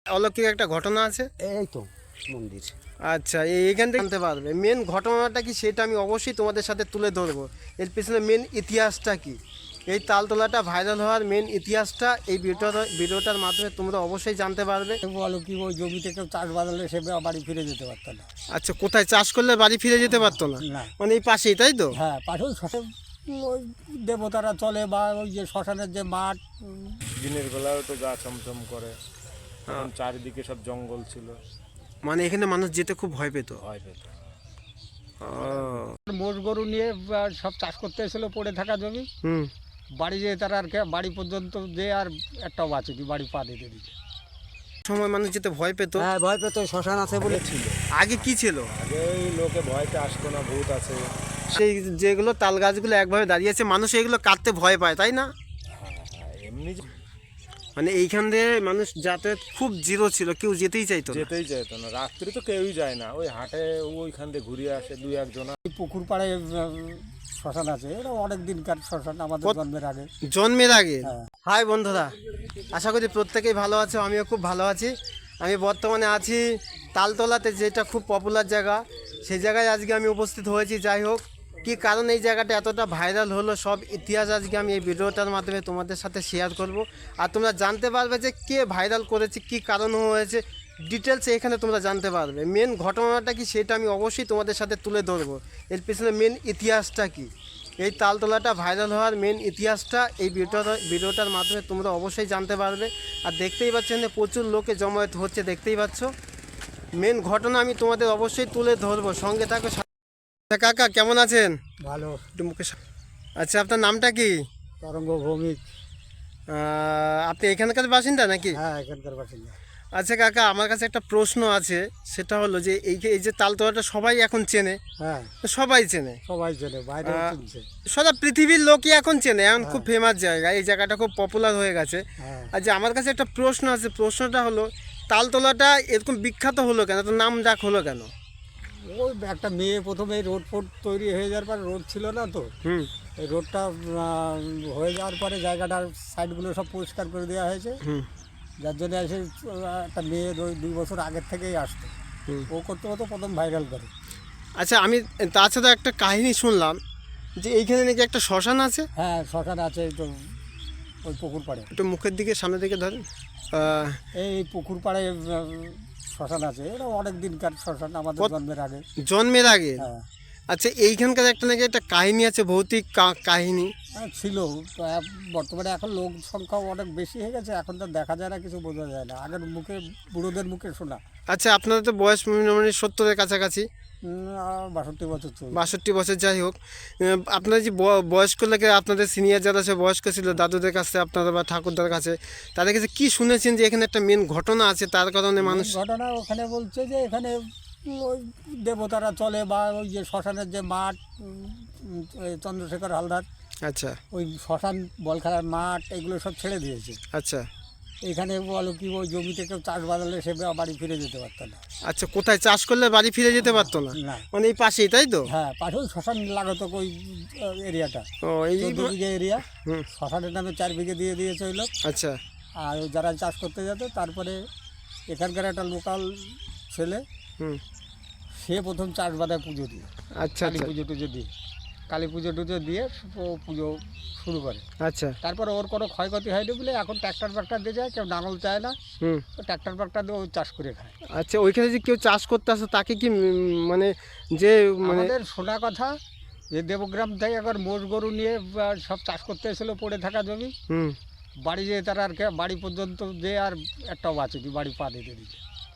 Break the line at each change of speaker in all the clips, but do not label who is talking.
অলৌকিক একটা ঘটনা আছে।
এই তো মন্দির।
আচ্ছা, এইখান থেকে জানতে পারবে মেন ঘটনাটা কি সেটা আমি অবশ্যই তোমাদের সাথে তুলে ধরবো। এর পিছনে মেন ইতিহাসটা কি, এই তালতলাটা ভাইরাল হওয়ার মেন ইতিহাসটা এই ভিডিওটার মাধ্যমে তোমরা অবশ্যই জানতে পারবে।
বলো কি ওই জমি থেকে চাষ বাদলে সে বাড়ি ফিরে যেতে পারতো না।
আচ্ছা, কোথায় চাষ করলে বাড়ি ফিরে যেতে পারতো না?
না,
মানে এই পাশেই, তাই তো?
হ্যাঁ পাশেই শ্মশান, ওই দেবতারা চলে বা ওই যে শ্মশানের যে মাঠ।
দিনের বেলাও তো গা চমচম করে, তখন চারিদিকে সব জঙ্গল ছিল,
মানে এখানে মানুষ যেতে খুব ভয় পেত।
ভয় পেত।
মোষ গরু নিয়ে সব চাষ করতে এসেছিল পড়ে থাকা জমি।
হুম।
বাড়ি যেয়ে তারা আর বাড়ি পর্যন্ত যে আর একটাও বাঁচেনি, বাড়ি পা দিতে দিচ্ছে।
সময় মানুষ যেতে ভয় পেত।
হ্যাঁ ভয় পেত, শ্মশান আছে বলে ছিল।
আগে কি ছিল?
আগে এই লোকে ভয়তে আসতো না, ভূত আছে।
সেই যেগুলো তাল গাছগুলো একভাবে দাঁড়িয়েছে, মানুষ এগুলো কাটতে ভয় পায়, তাই না?
এমনি
মানে এইখান দিয়ে মানুষ যাতায়াত খুব জিরো ছিল, কেউ যেতেই চাইতো না।
যেতেই যেত না, রাত্রি তো কেউই যায় না, ওই হাটে ওইখান দিয়ে ঘুরিয়ে আসে দুই একজন।
এই পুকুর পাড়ে শ্মশান আছে, এটা অনেক দিনকার শ্মশান, আমাদের জন্মের আগে।
জন্মের আগে?
হ্যাঁ।
হাই বন্ধুরা, আশা করি প্রত্যেকেই ভালো আছে, আমিও খুব ভালো আছি। আমি বর্তমানে আছি তালতলাতে, যেটা খুব পপুলার জায়গা, সেই জায়গায় আজকে আমি উপস্থিত হয়েছি। যাই হোক, কী কারণ এই জায়গাটা এতটা ভাইরাল হলো, সব ইতিহাস আজকে আমি এই ভিডিওটার মাধ্যমে তোমাদের সাথে শেয়ার করব। আর তোমরা জানতে পারবে যে কে ভাইরাল করেছে, কী কারণ হয়েছে, ডিটেলস এখানে তোমরা জানতে পারবে। মেন ঘটনাটা কি সেটা আমি অবশ্যই তোমাদের সাথে তুলে ধরবো। এর পিছনে মেন ইতিহাসটা কি, এই তালতলাটা ভাইরাল হওয়ার মেন ইতিহাসটা এই ভিডিওটার মাধ্যমে তোমরা অবশ্যই জানতে পারবে। আর দেখতেই পাচ্ছেন যে প্রচুর লোকে জমায়েত হচ্ছে, দেখতেই পাচ্ছ। মেন ঘটনা আমি তোমাদের অবশ্যই তুলে ধরবো, সঙ্গে থাকো। কাকা কেমন আছেন?
ভালো।
একটু মুখে আচ্ছা, আপনার নামটা কি?
তরঙ্গ ভৌমিক।
আপনি এখানকার বাসিন্দা নাকি?
হ্যাঁ এখানকার বাসিন্দা।
আচ্ছা কাকা, আমার কাছে একটা প্রশ্ন আছে, সেটা হলো যে এই যে তালতলাটা সবাই এখন চেনে।
হ্যাঁ
সবাই চেনে,
সবাই চেনে, বাইরে চিনছে।
সারা পৃথিবীর লোকই এখন চেনে, এখন খুব ফেমাস জায়গা, এই জায়গাটা খুব পপুলার হয়ে গেছে।
হ্যাঁ।
আর যে আমার কাছে একটা প্রশ্ন আছে, প্রশ্নটা হলো তালতলাটা এরকম বিখ্যাত হলো কেন, তো নাম ডাক হলো কেন?
ওই একটা মেয়ে প্রথমে রোড ফোড তৈরি হয়ে যাওয়ার পর, রোড ছিল না তো,
হুম
এই রোডটা হয়ে যাওয়ার পরে জায়গাটার সাইডগুলো সব পরিষ্কার করে দেওয়া হয়েছে।
হুম
যার জন্য এসে একটা মেয়ে 2 বছর আগের থেকেই আসতো,
হুম।
ও করতে হতো প্রথম ভাইরাল করে।
আচ্ছা, আমি তাছাড়া একটা কাহিনী শুনলাম যে এইখানে নাকি একটা শ্মশান আছে।
হ্যাঁ শ্মশান আছে, এই তো ওই পুকুর পাড়ে।
একটু মুখের দিকে, সামনের দিকে ধরেন।
এই পুকুর পাড়ে শ্মশান আছে, এটা অনেক দিনকার শ্মশান, আমাদের জন্মের আগে।
জন্মের আগে?
হ্যাঁ।
আচ্ছা, এইখানকার একটা নাকি একটা কাহিনী আছে, ভৌতিক কাহিনী।
ছিল তো, বর্তমানে এখন লোক সংখ্যাও অনেক বেশি হয়ে গেছে, এখন তো দেখা যায় না, কিছু বোঝা যায় না, আগের মুখে বুড়োদের মুখে শোনা।
আচ্ছা, আপনাদের তো বয়স মোটামুটি 70-এর কাছাকাছি।
62 বছর চলছে।
62 বছর। যাই হোক, আপনার যে বয়স্ক লোকে, আপনাদের সিনিয়র যারা সে বয়স্ক ছিল, দাদুদের কাছে আপনারা বা ঠাকুরদার কাছে, তাদের কাছে কি শুনেছেন যে এখানে একটা মেন ঘটনা আছে, তার কারণে মানুষ?
ঘটনা ওখানে বলছে যে এখানে ওই দেবতারা চলে বা ওই যে শ্মশানের যে মাঠ, চন্দ্রশেখর হালদার,
আচ্ছা
ওই শ্মশান, বল খেলার মাঠ, এগুলো সব ছেড়ে দিয়েছে।
আচ্ছা
এখানে বলো কি ওই জমি থেকে চাষ বাদলে সে বাড়ি ফিরে যেতে পারতো না।
আচ্ছা, কোথায় চাষ করলে বাড়ি ফিরে যেতে পারতো না?
না।
মানে এই পাশেই, তাই তো?
হ্যাঁ পাশেও শ্মশান লাগাতো, ওই এরিয়াটা
ও এই
14 বিঘে এরিয়া,
হুম।
শ্মশানের নামে 4 বিঘে দিয়ে দিয়েছে ওই লোক।
আচ্ছা
আর ওই যারা চাষ করতে যেত, তারপরে এখানকার একটা লোকাল ছেলে,
হুম
সে প্রথম চাষ বাদায় পুজো দিয়ে,
আচ্ছা
কালী
আচ্ছা
পুজো টুজো দিয়ে, কালী পুজো টুজো দিয়ে ও পুজো শুরু করে।
আচ্ছা
তারপরে ওর কোনো ক্ষয়ক্ষতি হয়নি বলে এখন ট্র্যাক্টর ফ্যাক্টর দিয়ে যায়, কেউ নাঙল চায় না,
হুম।
তো ট্র্যাক্টর ফ্যাক্টর দিয়ে ও চাষ করে খায়।
আচ্ছা, ওইখানে যে কেউ চাষ করতে আসে তাকে কি মানে যে মানে
আমাদের শোনা কথা যে দেবগ্রাম থেকে একবার মোষ গরু নিয়ে সব চাষ করতে এসেছিলো পড়ে থাকা জমি,
হুম
বাড়ি যেয়ে তারা আর বাড়ি পর্যন্ত যে আর একটাও বাঁচেনি, বাড়ি পা দিতে দিচ্ছে,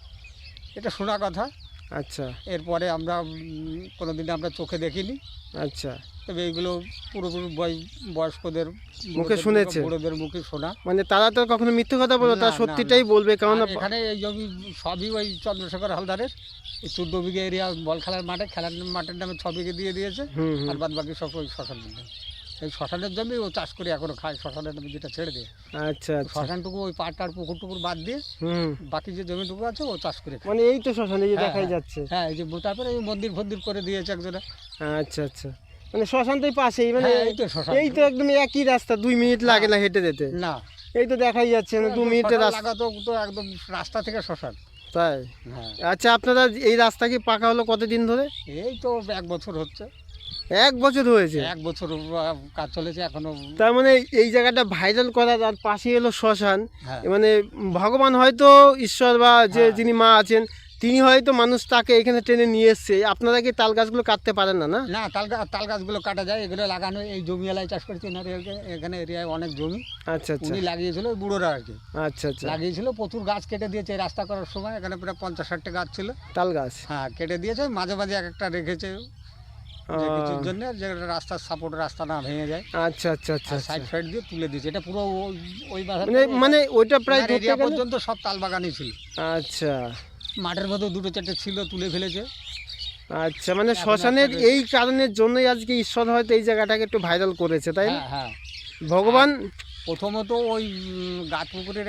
এটা শোনা কথা।
আচ্ছা
এরপরে আমরা কোনোদিন আমরা চোখে দেখিনি।
আচ্ছা,
তবে এইগুলো পুরোপুরি বয়স্কদের
মুখে শুনেছে,
বুড়োদের মুখে শোনা।
মানে তারা তো কখনো মিথ্যে কথা বলে,
না,
তারা
না,
সত্যিটাই
না।
বলবে, কারণ
আর এখানে এই জমি সবই ওই চন্দ্রশেখর হালদারের, এই 14 বিঘে এরিয়া বল খেলার মাঠে, খেলার মাঠের নামে 6 বিঘে দিয়ে দিয়েছে,
হুম হুম।
আর বাদ বাকি সব ওই শ্মশানের নামে। এই শ্মশানের জমি ও চাষ করে এখনো খায়, শ্মশানের নামে যেটা ছেড়ে দিয়ে।
আচ্ছা আচ্ছা,
শ্মশানটুকু ওই পাটটার পুকুর টুকুর বাদ দিয়ে
হুম।
বাকি যে জমিটুকু আছে ও চাষ করে খায়।
মানে এই তো শ্মশানে যে
হ্যাঁ,
দেখাই
হ্যাঁ।
যাচ্ছে।
হ্যাঁ এই যে তারপরে এই মন্দির ফন্দির করে দিয়েছে একজনে।
আচ্ছা আচ্ছা, মানে শ্মশান তো এই পাশেই, মানে
হ্যাঁ, এই তো শ্মশান।
এই তো একদম একই রাস্তা, 2 মিনিট লাগে না হেঁটে যেতে।
না
এই তো দেখাই যাচ্ছে না 2 মিনিটের
শ্মশান
রাস্তা।
লাগাতো তো একদম রাস্তা থেকে শ্মশান।
তাই?
হ্যাঁ,
আচ্ছা, আপনারা এই রাস্তা কি পাকা হলো কতদিন ধরে?
এই তো 1 বছর হচ্ছে।
1 বছর হয়েছে।
1 বছর কাজ চলেছে এখনো।
তার মানে এই জায়গাটা ভাইরাল করার আর পাশে এলো শ্মশান,
হ্যাঁ,
মানে ভগবান হয়তো, ঈশ্বর বা যে
হ্যাঁ।
যিনি মা আছেন তিনি হয়তো মানুষ তাকে এখানে টেনে নিয়ে এসছে। আপনারা কি তাল গাছগুলো কাটতে পারেন না? না
না, তাল গাছগুলো কাটা যায়, এগুলো লাগানো। এই জমি এলাকায় চাষ করছে এনার এখানে এরিয়ায় অনেক জমি
আচ্ছা আচ্ছা
উনি লাগিয়েছিল, ওই বুড়োরা আর কি
আচ্ছা আচ্ছা।
লাগিয়েছিল। প্রচুর গাছ কেটে দিয়েছে এই রাস্তা করার সময়, এখানে প্রায় 50-60টা গাছ ছিল।
তাল গাছ।
হ্যাঁ, কেটে দিয়েছে, মাঝে মাঝে এক একটা রেখেছে যে কিছুর জন্য, যে রাস্তার সাপোর্ট রাস্তা না ভেঙে যায়।
আচ্ছা আচ্ছা আচ্ছা
সাইড
আচ্ছা।
সাইড দিয়ে তুলে দিয়েছে, এটা পুরো ওই বাজার
মানে ওইটা প্রায় ধরতে
এরিয়া
গেলে-
পর্যন্ত সব তাল বাগানই ছিল।
আচ্ছা
মাঠের মধ্যে 2-4টে ছিল, তুলে ফেলেছে।
আচ্ছা, মানে শ্মশানের এই কারণের জন্যই আজকে ঈশ্বর হয়তো এই জায়গাটাকে একটু ভাইরাল করেছে, তাই না?
হ্যাঁ, হ্যাঁ।
ভগবান।
প্রথমত ওই গাতপুকুরের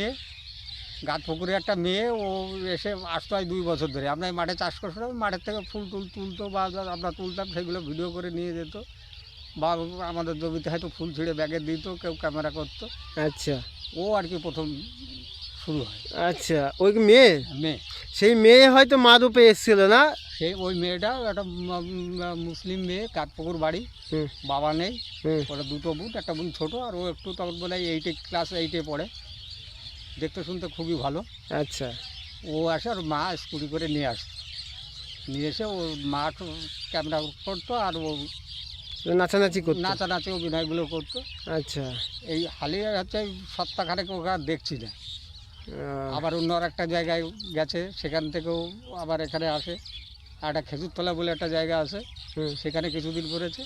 একটা মেয়ে ও এসে আসতো আজ 2 বছর ধরে। আমরা এই মাঠে চাষ করছিলাম, মাঠের থেকে ফুল তুলতো বা আমরা তুলতাম, সেগুলো ভিডিও করে নিয়ে যেত, বা আমাদের জমিতে হয়তো ফুল ছিঁড়ে ব্যাগে দিত, কেউ ক্যামেরা করতো।
আচ্ছা
ও আর কি প্রথম শুরু হয়।
আচ্ছা, ওই মেয়ে,
মেয়ে,
সেই মেয়ে হয়তো মা রূপে এসেছিল না?
ওই মেয়েটা একটা মুসলিম মেয়ে, কাঠপুকুর বাড়ি,
হুম
বাবা নেই,
হুম।
ওরা 2টো বোন, একটা বোন ছোটো, আর ও একটু তখন বলে ক্লাস 8-এ পড়ে, দেখতে শুনতে খুবই ভালো।
আচ্ছা
ও আসে, আর মা স্কুটি করে নিয়ে আসতো, নিয়ে এসে ও মা ক্যামেরা করতো, আর ও
নাচানাচি করতো।
নাচানাচি অভিনয়গুলো করতো।
আচ্ছা।
এই হালি হচ্ছে সপ্তাহখানেক ওকে আর দেখছি না।
আহ,
আবার অন্য আর একটা জায়গায় গেছে, সেখান থেকেও আবার এখানে আসে। আর একটা খেজুরতলা বলে একটা জায়গা আছে,
হুম।
সেখানে কিছুদিন করেছে।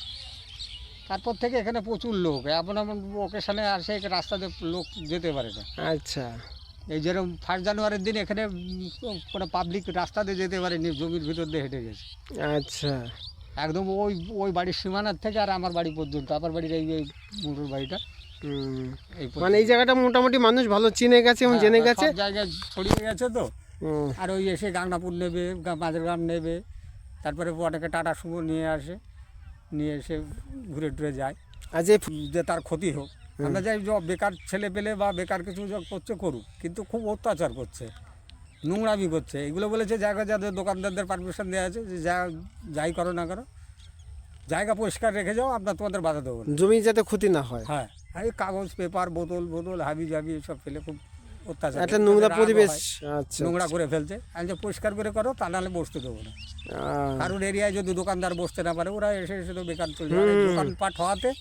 তারপর থেকে এখানে প্রচুর লোক, এমন এমন ওকেশনে আসে, রাস্তা দিয়ে লোক যেতে পারে না।
আচ্ছা
এই যেরকম 1 জানুয়ারির দিন এখানে কোনো পাবলিক রাস্তা দিয়ে যেতে পারেনি, জমির ভিতর দিয়ে হেঁটে গেছে
আচ্ছা
একদম ওই বাড়ির সীমানার থেকে আর আমার বাড়ি পর্যন্ত, আমার বাড়ির এই মুঠোর বাড়িটা
হুম।
এই
মানে এই জায়গাটা মোটামুটি মানুষ ভালো চিনে গেছে এবং জেনে গেছে।
সব জায়গায় ছড়িয়ে গেছে তো।
হুম।
আর ওই এসে গাংনাপুর নেবে, মাঝেরগ্রাম নেবে, তারপরে অনেকে টাটা সুমো নিয়ে আসে, নিয়ে এসে ঘুরে টুরে যায়,
আর যে
যে তার ক্ষতি হোক। আমরা যাই যে বেকার ছেলে পেলে বা বেকার কিছু করছে করুক, কিন্তু খুব অত্যাচার করছে, নোংরামি করছে। এগুলো বলেছে জায়গা যাদের দোকানদারদের পারমিশন দেওয়া আছে যে যাই করো না করো, জায়গা পরিষ্কার রেখে যাও, আমরা তোমাদের বাধা দেবো না।
জমি যাতে ক্ষতি না হয়।
হ্যাঁ, এই কাগজ পেপার বোতল হাবি জাবি এসব ফেলে খুব অত্যাচার,
একটা নোংরা
রাগও
পরিবেশ।
হয়,
আচ্ছা
নোংরা করে ফেলছে। আমি যে পরিষ্কার করে করো, তা নাহলে বসতে দেবো না।
আহ,
কারণ এরিয়ায় যদি দোকানদার বসতে না পারে, ওরা এসে এসে তো বেকার চলে যায়। আর এই দোকানপাট হওয়াতে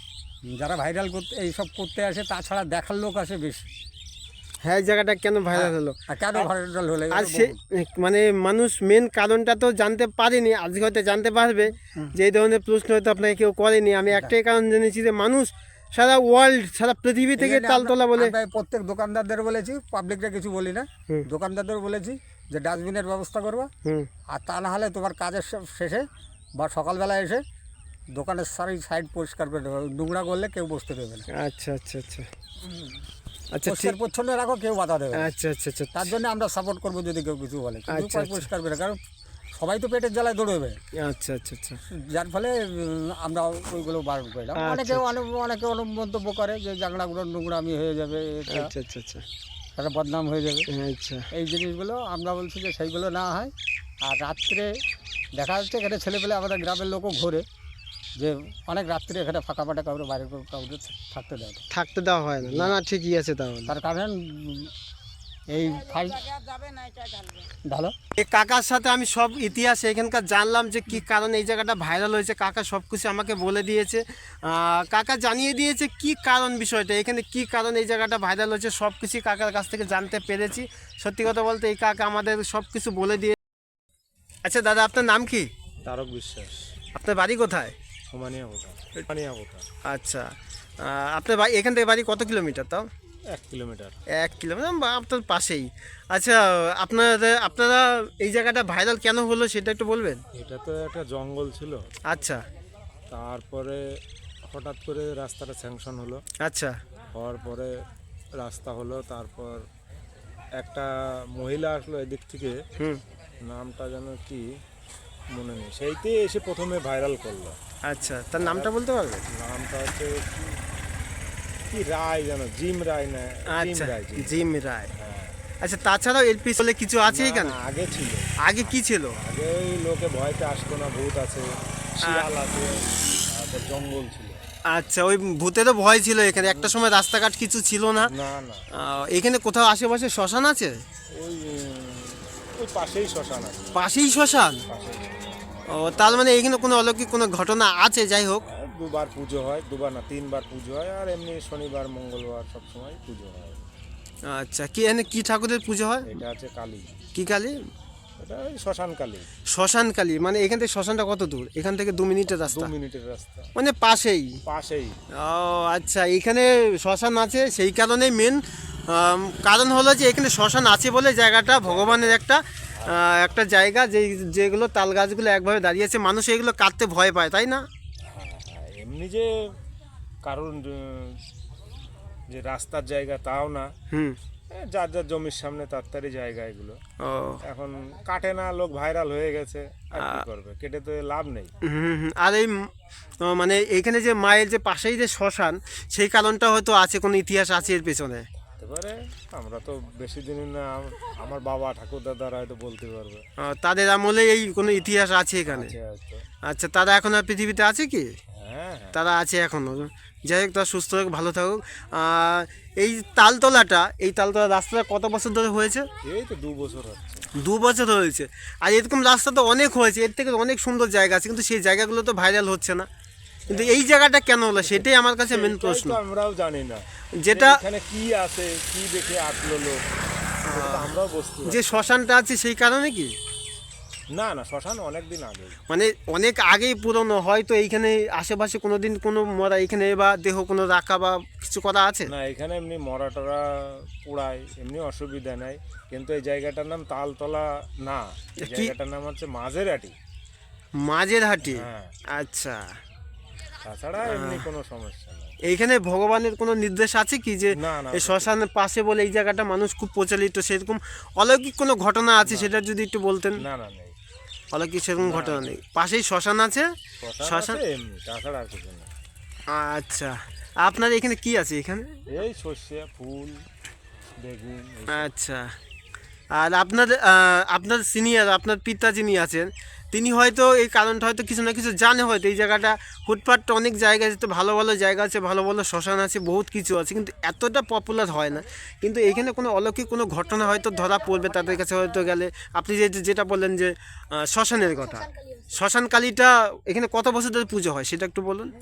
যারা ভাইরাল করতে এইসব করতে আসে, তাছাড়া দেখার লোক আসে বেশি।
হ্যাঁ, এই জায়গাটা কেন ভাইরাল হলো?
আর কেন ভাইরাল হলে
আর সে মানে মানুষ মেন কারণটা তো জানতে পারেনি, আজকে হয়তো জানতে পারবে যে এই ধরনের প্রশ্ন হয়তো আপনাকে কেউ করেনি। আমি একটাই কারণ জেনেছি যে মানুষ সারা ওয়ার্ল্ড, সারা পৃথিবী থেকে তালতলা বলে।
আমরা প্রত্যেক দোকানদারদের বলেছি, পাবলিকরা কিছু বলি না,
হুম।
দোকানদারদের বলেছি যে ডাস্টবিনের ব্যবস্থা করবা,
হুম।
আর তা না হলে তোমার কাজের শেষে বা সকালবেলা এসে দোকানের সাইড পরিষ্কার করে দেবে, নোংরা করলে কেউ বসতে দেবে না।
আচ্ছা আচ্ছা আচ্ছা আচ্ছা ঠিক।
পরিষ্কার পরিচ্ছন্ন রাখো, কেউ বাধা দেবে না।
আচ্ছা আচ্ছা আচ্ছা
তার জন্য আমরা সাপোর্ট করবো যদি কেউ কিছু বলে, কিন্তু
আচ্ছা, আচ্ছা।
পরিষ্কার করে, কারণ সবাই তো পেটের জ্বালায় দৌড়বে,
আচ্ছা আচ্ছা আচ্ছা
যার ফলে আমরা ওইগুলো বারণ করলাম।
আচ্ছা,
অনেকে অনেক মন্তব্য করে যে জাংলাগুলো নোংরামি হয়ে যাবে, এটা
আচ্ছা আচ্ছা আচ্ছা
একটা বদনাম হয়ে যাবে।
আচ্ছা
এই জিনিসগুলো আমরা বলছি যে সেইগুলো না হয়। আর রাত্রে দেখা যাচ্ছে এখানে ছেলেপেলে আমাদের গ্রামের লোকও ঘোরে, যে অনেক রাত্রে এখানে ফাঁকা ফাটা কাউরে বাইরে কাউরে থাকতে দেয় না।
থাকতে দেওয়া হয় না। না না, ঠিকই আছে তাহলে।
তার কারণ এই ঢালো
এই কাকার সাথে আমি সব ইতিহাস এখানকার জানলাম যে কি কারণে এই জায়গাটা ভাইরাল হয়েছে। কাকা সব কিছু আমাকে বলে দিয়েছে, কাকা জানিয়ে দিয়েছে কি কারণ, বিষয়টা এখানে কি কারণ এই জায়গাটা ভাইরাল হয়েছে, সব কিছু কাকার কাছ থেকে জানতে পেরেছি। সত্যি কথা বলতে এই কাকা আমাদের সব কিছু বলে দিয়ে। আচ্ছা দাদা, আপনার নাম কি?
তারক বিশ্বাস।
আপনার বাড়ি কোথায়?
হুমানিয়া কোথা।
আচ্ছা, আপনার বাড়ি এখান থেকে বাড়ি কত কিলোমিটার? তাও
1 কিলোমিটার।
1 কিলোমিটার, বা আপনার পাশেই। আচ্ছা, আপনারা এই জায়গাটা ভাইরাল কেন হলো সেটা একটু বলবেন?
এটা তো একটা জঙ্গল ছিল,
আচ্ছা
তারপরে হঠাৎ করে রাস্তাটা স্যাংশন হলো,
আচ্ছা
হওয়ার পরে রাস্তা হলো, তারপর একটা মহিলা আসলো এদিক থেকে,
হুম
নামটা যেন কি মনে নেই, সেইতে এসে প্রথমে ভাইরাল করলো।
আচ্ছা, তার নামটা বলতে পারবেন?
নামটা হচ্ছে কি, কি রায় জানো, জিম রায় না, জিম
আচ্ছা,
রায়, জিম।
জিম রায়।
হ্যাঁ।
আচ্ছা, তাছাড়াও এর পিছনে কিছু আছে
না,
এখানে?
না, আগে ছিল।
আগে কি ছিল?
আগে ওই লোকে ভয়তে আসতো না, ভূত আছে, শিয়াল আছে, তারপর জঙ্গল ছিল।
আচ্ছা, ওই ভূতেরও ভয় ছিল এখানে, একটা সময় রাস্তাঘাট কিছু ছিল না।
না, না,
এখানে কোথাও আশেপাশে শ্মশান আছে?
ওই ওই পাশেই শ্মশান আছে,
পাশেই শ্মশান?
পাশেই।
ও, তার মানে এখানে কোনো অলৌকিক কোনো ঘটনা আছে? যাই হোক,
আর দুবার পুজো হয়, দুবার না 3বার পুজো হয়, আর এমনি শনিবার মঙ্গলবার সব সময় পুজো হয়।
আচ্ছা, কি এখানে কি ঠাকুরের পুজো হয়?
এটা আছে কালী,
কি কালী?
এটা ওই শ্মশান কালী।
শ্মশান কালী, মানে এখান থেকে শ্মশানটা কত দূর? এখান থেকে 2 মিনিটের
2
রাস্তা,
মিনিটের রাস্তা,
মানে পাশেই।
পাশেই।
ও আচ্ছা, এখানে শ্মশান আছে সেই কারণেই মেন কারণ হলো যে এখানে শ্মশান আছে বলে জায়গাটা ভগবানের একটা জায়গা, যেগুলো তাল গাছগুলো একভাবে দাঁড়িয়ে আছে, মানুষ এগুলো কাটতে ভয় পায়, তাই না?
হ্যাঁ, এমনি যে কারণ যে রাস্তার জায়গা তাও না,
হুম।
যার যার জমির সামনে তাড়াতাড়ি জায়গা এগুলো।
ও
এখন কাটে না, লোক ভাইরাল হয়ে গেছে, আর কি করবে, কেটে তো লাভ নেই।
হুম হুম। আর এই মানে এইখানে যে মায়ের যে পাশেই যে শ্মশান, সেই কারণটা হয়তো আছে, কোনো ইতিহাস আছে এর পেছনে।
এবারে আমরা তো বেশি দিন না, আমার বাবা ঠাকুর দাদারা হয়তো বলতে পারবে।
তাদের আমলে এই কোনো ইতিহাস আছে এখানে?
আছে হয়তো।
আচ্ছা, তারা এখন আর পৃথিবীতে আছে কি?
হ্যাঁ, হ্যাঁ।
তারা আছে এখনও। যাই হোক, তারা সুস্থ হোক, ভালো থাকুক। এই তালতলা রাস্তাটা কত বছর ধরে হয়েছে?
এই তো 2 বছর হচ্ছে।
2 বছর হয়েছে। আর এরকম রাস্তা তো অনেক হয়েছে, এর থেকে অনেক সুন্দর জায়গা আছে, কিন্তু সেই জায়গাগুলো তো ভাইরাল হচ্ছে না। কিন্তু এই জায়গাটা কেন হলো, সেটাই আমার কাছে মেন
এটাই
প্রশ্ন।
তো আমরাও জানি না,
যেটা
এখানে কি আছে, কি দেখে আসলো লোক, সেটা তো আমরাও বুঝতে পারি
যে শ্মশানটা আছে সেই কারণে কি?
না। না, শ্মশান অনেক দিন আগে।
মানে অনেক আগেই পুরনো, হয়তো এইখানে আশেপাশে কোনো দিন কোনো মরা এখানে বা দেহ কোনো রাখা বা কিছু করা আছে?
না, এখানে এমনি মরাটরা পোড়ায়, এমনি অসুবিধা নাই, কিন্তু এই জায়গাটার নাম তালতলা না, এই
কি?
জায়গাটার নাম হচ্ছে মাঝেরহাটি।
মাঝের হাটি?
হ্যাঁ।
আচ্ছা,
তাছাড়া এমনি কোনো সমস্যা নেই।
এইখানে ভগবানের কোনো নির্দেশ আছে কি যে
না, না,
এই শ্মশানের পাশে বলে এই জায়গাটা মানুষ খুব প্রচলিত, সেরকম অলৌকিক কোনো ঘটনা আছে সেটা যদি একটু বলতেন?
না, না, নেই।
অলৌকিক সেরকম ঘটনা নেই, পাশেই শ্মশান আছে।
শ্মশান
শ্মশান,
আছে এমনি, তাছাড়া আর কিছু না।
আচ্ছা। আপনার এখানে কি আছে এখানে?
এই সর্ষে ফুল, বেগুন,
আচ্ছা। আর আপনার সিনিয়র, আপনার পিতা যিনি আছেন, তিনি হয়তো এই কারণটা হয়তো কিছু না কিছু জানে, হয়তো এই জায়গাটা ফুটপাথটা অনেক জায়গা আছে, তো ভালো ভালো জায়গা আছে, ভালো ভালো শ্মশান আছে, বহুত কিছু আছে, কিন্তু এতটা পপুলার হয় না। কিন্তু এইখানে কোনো অলৌকিক কোনো ঘটনা হয়তো ধরা পড়বে তাদের কাছে হয়তো গেলে। আপনি যেটা বললেন যে শ্মশানের কথা, শ্মশান কালীটা এখানে কত বছর ধরে পুজো হয় সেটা একটু বলুন।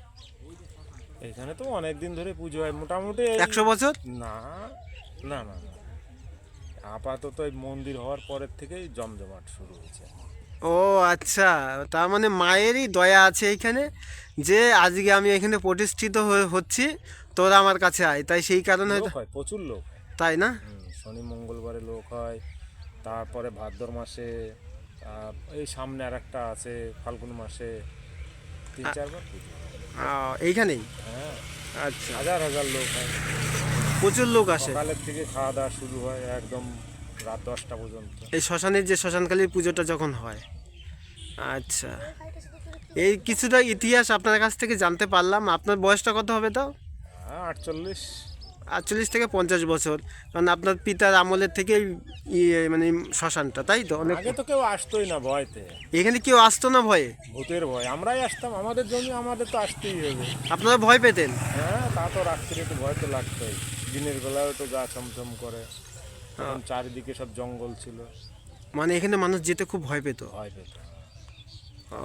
এখানে তো অনেক দিন ধরে পুজো হয়, মোটামুটি
100 বছর?
না, না, না, না। আপাতত এই মন্দির হওয়ার পরের থেকেই জমজমাট শুরু হয়েছে।
ও আচ্ছা, তার মানে মায়েরই দয়া আছে এইখানে, যে আজকে আমি এখানে প্রতিষ্ঠিত হচ্ছি, তোরা আমার কাছে আয়, তাই সেই কারণে
লোক
হয়তো,
হয়, প্রচুর লোক হয়।
তাই না?
শনি মঙ্গলবারে লোক হয়, তারপরে ভাদ্র মাসে, এই সামনে আর একটা আছে ফাল্গুন মাসে, 3-4 বার পুজো হয়।
এইখানেই?
হ্যাঁ,
আচ্ছা,
হাজার হাজার লোক হয়।
প্রচুর লোক আসে
সকালের থেকে খাওয়া দাওয়া শুরু হয় একদম রাত 10টা পর্যন্ত।
এই শ্মশানের যে শ্মশানকালীর পুজোটা যখন হয়। আচ্ছা, এই কিছুটা ইতিহাস আপনার কাছ থেকে জানতে পারলাম। আপনার বয়সটা কত হবে তাও?
হ্যাঁ, 48।
48 থেকে 50 বছর, কারণ আপনার পিতার আমলের থেকেই মানে শ্মশানটা, তাই তো? অনেক
আগে তো কেউ আসতোই না ভয়তে,
এখানে কেউ আসতো না ভয়ে?
ভূতের ভয়। আমরাই আসতাম, আমাদের জমি আমাদের তো আসতেই হবে।
আপনারা ভয় পেতেন?
হ্যাঁ, তা তো রাত্রে একটু ভয় তো লাগতোই, দিনের বেলাও তো গা ছমছম করে, তখন চারিদিকে সব জঙ্গল ছিল,
মানে এখানে মানুষ যেতে খুব ভয় পেত?
ভয় পেত।
ও,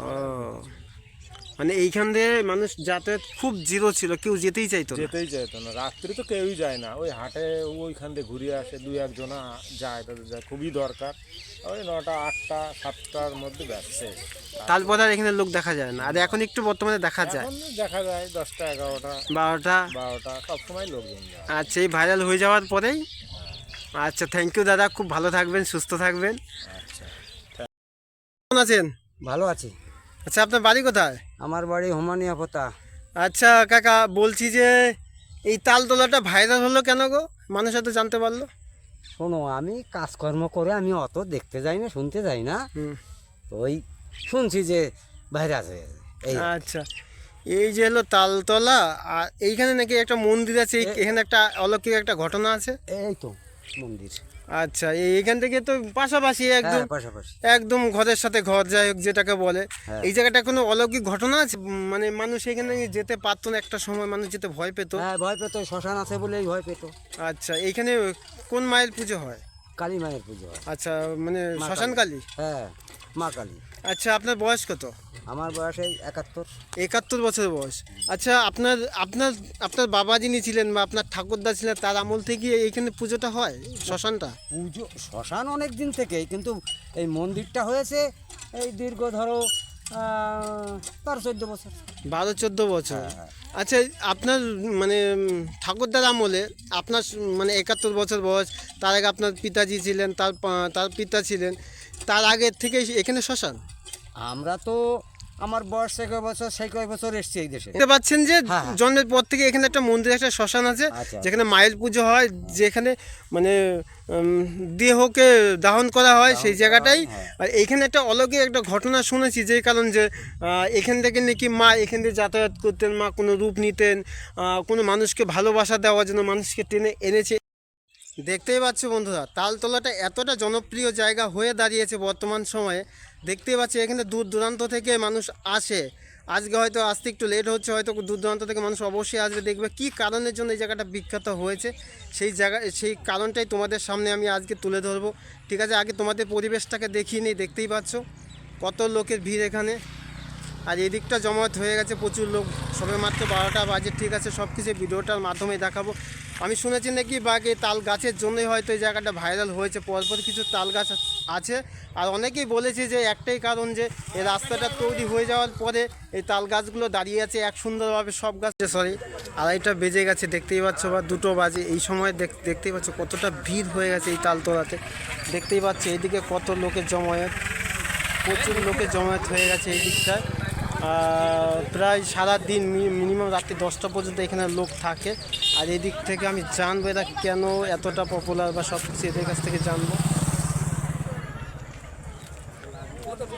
মানে এইখান দিয়ে মানুষ যাতায়াত খুব জিরো ছিল, কেউ যেতেই চাইতো না?
যেতেই চাইতো না, রাত্রি তো কেউই যায় না, ওই হাটে ওইখান দিয়ে ঘুরিয়ে আসে, 2-1 জনা যায়, তাদের যায় খুবই দরকার, ওই 9টা 8টা 7টার মধ্যে ব্যবসা।
তারপর আর এখানে লোক দেখা যায় না, আর এখন একটু বর্তমানে দেখা যায়
এখন দেখা যায় 10টা 11টা
12টা।
12টা সবসময় লোকজন যায়।
আচ্ছা, এই ভাইরাল হয়ে যাওয়ার পরেই। আচ্ছা, থ্যাংক ইউ দাদা, খুব ভালো থাকবেন, সুস্থ থাকবেন।
আচ্ছা,
কেমন আছেন?
ভালো আছি।
আচ্ছা, আপনার বাড়ি কোথায়?
আমার বাড়ি হোমানিয়া পোতা।
আচ্ছা কাকা, বলছি যে এই তালতলাটা ভাইরাল হলো কেন গো, মানুষ হয়তো জানতে পারলো?
শোনো, আমি কাজকর্ম করে আমি অত দেখতে যাই না, শুনতে যাই না,
হুম।
তো ওই শুনছি যে বাইরে আছে এই।
আচ্ছা, এই যে হলো তালতলা, আর এইখানে নাকি একটা মন্দির আছে, এখানে একটা অলৌকিক একটা ঘটনা আছে।
এই তো মন্দির।
আচ্ছা, এইখান থেকে তো পাশাপাশি একদম,
হ্যাঁ, পাশাপাশি।
একদম ঘরের সাথে ঘর, যাই হোক যেটাকে বলে।
হ্যাঁ।
এই জায়গাটা কোনো অলৌকিক ঘটনা আছে? মানে মানুষ এখানে যেতে পারতো না, একটা সময় মানুষ যেতে ভয় পেত।
হ্যাঁ, ভয় পেত, শ্মশান আছে বলেই ভয় পেত।
আচ্ছা, এইখানে কোন মায়ের পুজো হয়?
কালী মায়ের পুজো হয়।
আচ্ছা, মানে
মা
শ্মশান কালী।
হ্যাঁ, মা কালী।
আচ্ছা, আপনার বয়স কত?
আমার বয়স এই 71।
71 বছরের বয়স। আচ্ছা, আপনার আপনার আপনার বাবা যিনি ছিলেন বা আপনার ঠাকুরদা ছিলেন, তার আমল থেকে এইখানে পুজোটা হয়, শ্মশানটা?
পুজো শ্মশান অনেক দিন থেকেই, কিন্তু এই মন্দিরটা হয়েছে এই দীর্ঘ ধরো 13-14 বছর।
12-14 বছর।
হ্যাঁ।
আচ্ছা, আপনার মানে ঠাকুরদার আমলে আপনার মানে 71 বছর বয়স, তার আগে আপনার পিতাজি ছিলেন, তার পিতা ছিলেন, তার আগের থেকে এখানে শ্মশান?
আমরা তো আমার বয়স সেই কয় বছর, সেই কয় বছর এসছি এই দেশে।
দেখতে পাচ্ছেন যে
হ্যাঁ, হ্যাঁ।
জন্মের পর থেকে এখানে একটা মন্দির, একটা শ্মশান আছে,
আচ্ছা।
যেখানে মায়ের পুজো হয়, যেখানে মানে দেহকে দাহন করা হয় সেই জায়গাটাই।
হ্যাঁ।
আর এইখানে একটা অলৌকিক একটা ঘটনা শুনেছি, যে কারণ যে এখান থেকে নাকি মা এখান থেকে যাতায়াত করতেন, মা কোনো রূপ নিতেন, কোনো মানুষকে ভালোবাসা দেওয়ার জন্য মানুষকে টেনে এনেছে। দেখতেই পাচ্ছ বন্ধুরা, তালতলাটা এতটা জনপ্রিয় জায়গা হয়ে দাঁড়িয়েছে বর্তমান সময়ে। দেখতেই পাচ্ছি এখানে দূর দূরান্ত থেকে মানুষ আসে। আজকে হয়তো আসতে একটু লেট হচ্ছে, হয়তো দূর দূরান্ত থেকে মানুষ অবশ্যই আসবে, দেখবে কী কারণের জন্য এই জায়গাটা বিখ্যাত হয়েছে। সেই কারণটাই তোমাদের সামনে আমি আজকে তুলে ধরবো। ঠিক আছে, আগে তোমাদের পরিবেশটাকে দেখিয়ে নিই। দেখতেই পাচ্ছ কত লোকের ভিড় এখানে, আর এদিকটা জমায়েত হয়ে গেছে প্রচুর লোক। সবে মাত্র 12টা বাজে। ঠিক আছে, সব কিছু ভিডিওটার মাধ্যমে দেখাবো। আমি শুনেছি নাকি বাঘে তাল গাছের জন্যই হয়তো এই জায়গাটা ভাইরাল হয়েছে, পরপর কিছু তাল গাছ আছে। আর অনেকেই বলেছে যে একটাই কারণ, যে এই রাস্তাটা তৈরি হয়ে যাওয়ার পরে এই তাল গাছগুলো দাঁড়িয়ে আছে এক সুন্দরভাবে, সব গাছ। সরি, 2:30 বেজে গেছে, দেখতেই পাচ্ছ, বা 2 বাজে এই সময় দেখতেই পাচ্ছ কতটা ভিড় হয়ে গেছে এই তালতলাতে। দেখতেই পাচ্ছ এইদিকে কত লোকের জমায়েত, প্রচুর লোকের জমায়েত হয়ে গেছে এই দিকটায়। প্রায় সারাদিন মিনিমাম রাত্রি 10টা পর্যন্ত এখানে লোক থাকে। আর এই দিক থেকে আমি জানবো এরা কেন এতটা পপুলার, বা সব কিছু এদের কাছ থেকে জানবো।